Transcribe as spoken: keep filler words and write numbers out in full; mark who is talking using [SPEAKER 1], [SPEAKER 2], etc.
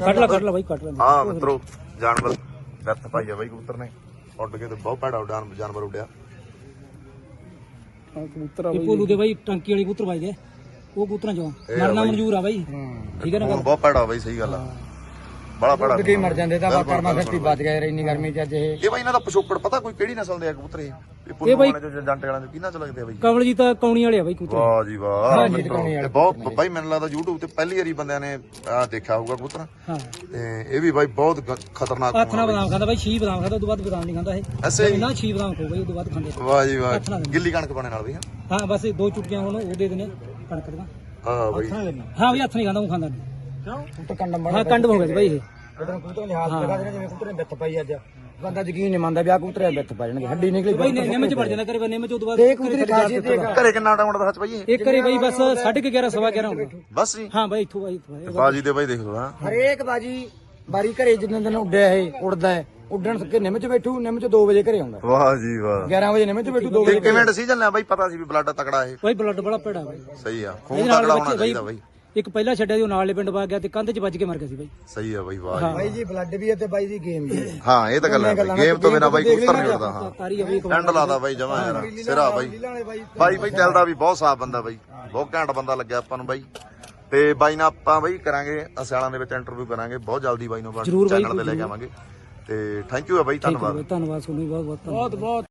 [SPEAKER 1] ਕੱਢ ਲਾ ਕੱਢ ਲਾ ਬਾਈ ਕੱਢ ਲਾ।
[SPEAKER 2] ਹਾਂ ਮਿੱਤਰੋ ਜਾਨਵਰ ਗੱਤ ਪਾਈ ਆ ਬਾਈ ਕਬੂਤਰ ਨੇ ਉੱਡ ਕੇ ਤੇ ਬਹੁਤ ਭੈੜਾ ਉਡਾਨ ਜਾਨਵਰ ਉੱਡਿਆ।
[SPEAKER 1] ਕਬੂਤਰ ਆ ਭੋਲੂ ਦੇ ਬਾਈ ਟੰਕੀ ਵਾਲੇ ਕਬੂਤਰ ਵੱਜ ਗਏ ਉਹ ਕਬੂਤਰਾਂ ਚੋਂ ਮਰਨਾ ਮਨਜ਼ੂਰ ਆ ਬਾਈ ਠੀਕ ਹੈ ਨਾ।
[SPEAKER 2] ਬਹੁਤ ਭੈੜਾ ਬਾਈ ਸਹੀ ਗੱਲ ਆ ਬੜਾ ਭੈੜਾ
[SPEAKER 3] ਉੱਡ ਕੇ ਮਰ ਜਾਂਦੇ ਤਾਂ ਕਰਮਾ ਖੱਟੀ ਵੱਜ ਗਏ ਯਾਰ ਇੰਨੀ ਗਰਮੀ ਚ ਅੱਜ ਇਹ।
[SPEAKER 2] ਇਹ ਬਾਈ ਇਹਨਾਂ ਦਾ ਪਿਛੋਕੜ ਪਤਾ ਕੋਈ ਕਿਹੜੀ ਨਸਲ ਦੇ ਆ ਕਬੂਤਰ ਇਹ ਇਹ ਬਾਈ ਜੰਟ ਵਾਲਿਆਂ ਦੇ ਕਿਹਨਾਂ ਚ ਲੱਗਦੇ ਆ ਬਾਈ?
[SPEAKER 1] ਕਮਲ ਜੀ ਤਾਂ ਕੌਣੀ ਵਾਲੇ ਆ ਬਾਈ ਕਬੂਤਰ।
[SPEAKER 2] ਵਾਹ ਜੀ ਵਾਹ ਤੇ ਬਹੁਤ ਬਾਈ ਮੈਨੂੰ ਲੱਗਦਾ YouTube ਤੇ ਪਹਿਲੀ ਵਾਰੀ ਬੰਦਿਆਂ ਨੇ ਆ ਦੇਖਿਆ ਹੋਊਗਾ ਕਬੂਤਰ।
[SPEAKER 1] ਹਾਂ
[SPEAKER 2] ਤੇ ਇਹ ਵੀ ਬਾਈ ਬਹੁਤ ਖਤਰਨਾਕ
[SPEAKER 1] ਹੱਥ ਨਾਲ ਬਦਾਮ ਖਾਂਦਾ ਬਾਈ ਛੀ ਬਦਾਮ ਖਾਂਦਾ ਉਦੋਂ ਬਾਅਦ ਬਦਾਮ ਨਹੀਂ ਖਾਂਦਾ ਇਹ
[SPEAKER 2] ਐਸੇ
[SPEAKER 1] ਨਾ ਛੀ ਬਦਾਮ ਖੋ ਬਾਈ ਉਦੋਂ ਬਾਅਦ ਖਾਂਦੇ।
[SPEAKER 2] ਵਾਹ ਜੀ ਵਾਹ ਗਿੱਲੀ ਕਣਕ ਪਾਣੇ ਨਾਲ ਵੀ
[SPEAKER 1] ਹਾਂ ਬਸ ਦੋ ਚੁਟਕੀਆਂ ਹੁਣ ਉਹ ਦੇ ਦੇਣੇ ਕਣਕ ਦੀਆਂ।
[SPEAKER 2] ਹਾਂ ਬਾਈ
[SPEAKER 1] ਹਾਂ ਵੀ ਹੱਥ ਨਹੀਂ ਖਾਂਦਾ ਉਹ ਖਾਂਦਾ
[SPEAKER 3] ਕਿਉਂ ਕਬੂਤਰ ਕੰਡਮ ਬਣਾ
[SPEAKER 1] ਹਾਂ ਕੰਡ ਹੋ ਗਿਆ ਬਾਈ ਇਹ
[SPEAKER 3] ਜਦੋਂ ਕਬੂਤਰ ਲਿਹਾਜ਼ ਲਗਾ ਦੇਣਾ ਜਿਵੇਂ ਕਬੂਤਰ ਨੇ ਵਿੱਥ ਪਾਈ ਅੱਜ ਬੰਦਾ ਯਕੀਨ ਨਹੀਂ ਮੰਨਦਾ ਵੀ ਆ ਕਬੂਤਰ ਵਿੱਥ ਪਾ ਜਾਣਗੇ ਹੱਡੀ ਨਿਕਲੀ
[SPEAKER 1] ਬਾਈ ਨਿੰਮ ਚ ਵੜ ਜਾਂਦਾ ਕਰੇ ਨਿੰਮ ਚ ਉਦੋਂ ਬਾਅਦ
[SPEAKER 3] ਤੇ ਕਬੂਤਰ ਖਾਸੀਅਤ ਤੇ
[SPEAKER 2] ਘਰੇ ਕਿੰਨਾ ਟਾਈਮ ਦਾ ਸੱਚ ਬਾਈ ਇਹ?
[SPEAKER 1] ਇੱਕ ਕਰੇ ਬਾਈ ਬਸ ਸਾਢੇ ਕੁ ਗਿਆਰਾਂ ਸਵਾ ਗਿਆਰਾਂ ਹੁੰਦਾ
[SPEAKER 2] ਬਸ ਜੀ
[SPEAKER 1] ਹਾਂ ਬਾਈ ਇੱਥੋਂ ਬਾਈ ਇੱਥੋਂ
[SPEAKER 2] ਬਾਜੀ ਦੇ ਬਾਈ ਦੇਖ ਲਓ ਹਾਂ
[SPEAKER 3] ਹਰੇਕ ਬਾਜੀ ਬਾਰੀ ਘਰੇ ਜਿੰਨੇ ਦਿਨ ਉੱਡਿਆ ਇਹ ਉੜਦਾ ਹੈ ਉੱਡਣ ਸਕੇ ਨਿੰਮ ਚ ਬੈਠੂ ਨਿੰਮ ਚ ਦੋ ਵਜੇ ਘਰੇ ਆਉਂਦਾ
[SPEAKER 2] ਵਾਹ ਜੀ ਵਾਹ
[SPEAKER 3] ਗਿਆਰਾਂ ਵਜੇ ਨਿੰਮ ਚ ਬੈਠੂ ਦੋ ਵਜੇ
[SPEAKER 2] ਕਿਵੇਂ ਡਿਸੀਜਨ ਲਿਆ ਬਾਈ ਪਤਾ ਸੀ ਵੀ ਬਲੱਡ ਤਕੜਾ ਇਹ
[SPEAKER 1] ਬਾਈ ਬਲੱਡ ਬੜਾ ਭੈੜਾ ਬਾਈ
[SPEAKER 2] ਸਹੀ ਆ ਖੂਨ ਤਕੜਾ ਹੋਣਾ ਚਾਹੀਦਾ ਬਾਈ।
[SPEAKER 1] ਇੱਕ ਪਹਿਲਾ ਛੱਡਿਆ ਸੀ ਉਹ ਨਾਲੇ ਪਿੰਡ ਵਾ ਗਿਆ ਤੇ ਕੰਧ ਚ ਵੱਜ ਕੇ ਮਰ ਗਿਆ ਸੀ ਬਾਈ।
[SPEAKER 2] ਸਹੀ ਆ ਬਾਈ ਵਾਹ ਜੀ
[SPEAKER 3] ਬਾਈ ਜੀ ਬਲੱਡ ਵੀ ਹੈ ਤੇ ਬਾਈ ਦੀ ਗੇਮ ਵੀ ਹੈ।
[SPEAKER 2] ਹਾਂ ਇਹ ਤਾਂ ਗੱਲ ਹੈ ਗੇਮ ਤੋਂ ਬਿਨਾ ਬਾਈ ਕਬੂਤਰ ਨਹੀਂ ਉੱਡਦਾ। ਹਾਂ
[SPEAKER 1] ਤਾਰੀ ਆ ਬਾਈ
[SPEAKER 2] ਐਂਡ ਲਾਦਾ ਬਾਈ ਜਮਾ ਯਾਰ ਸਿਰਾ ਬਾਈ ਬਾਈ ਬਾਈ ਦਿਲ ਦਾ ਵੀ ਬਹੁਤ ਸਾਫ ਬੰਦਾ ਬਾਈ ਬਹੁਤ ਘੈਂਟ ਬੰਦਾ ਲੱਗਿਆ ਆਪਾਂ ਨੂੰ ਬਾਈ। ਤੇ ਬਾਈ ਨਾਲ ਆਪਾਂ ਬਾਈ ਕਰਾਂਗੇ ਅਸਿਆਲਾਂ ਦੇ ਵਿੱਚ ਇੰਟਰਵਿਊ ਕਰਾਂਗੇ ਬਹੁਤ ਜਲਦੀ ਬਾਈ ਨੂੰ ਚੈਨਲ ਤੇ ਲੈ ਕੇ ਆਵਾਂਗੇ। ਤੇ ਥੈਂਕ ਯੂ ਆ ਬਾਈ ਧੰਨਵਾਦ
[SPEAKER 1] ਧੰਨਵਾਦ ਤੁਹਾਨੂੰ ਬਹੁਤ ਬਹੁਤ ਬਹੁਤ ਬਹੁਤ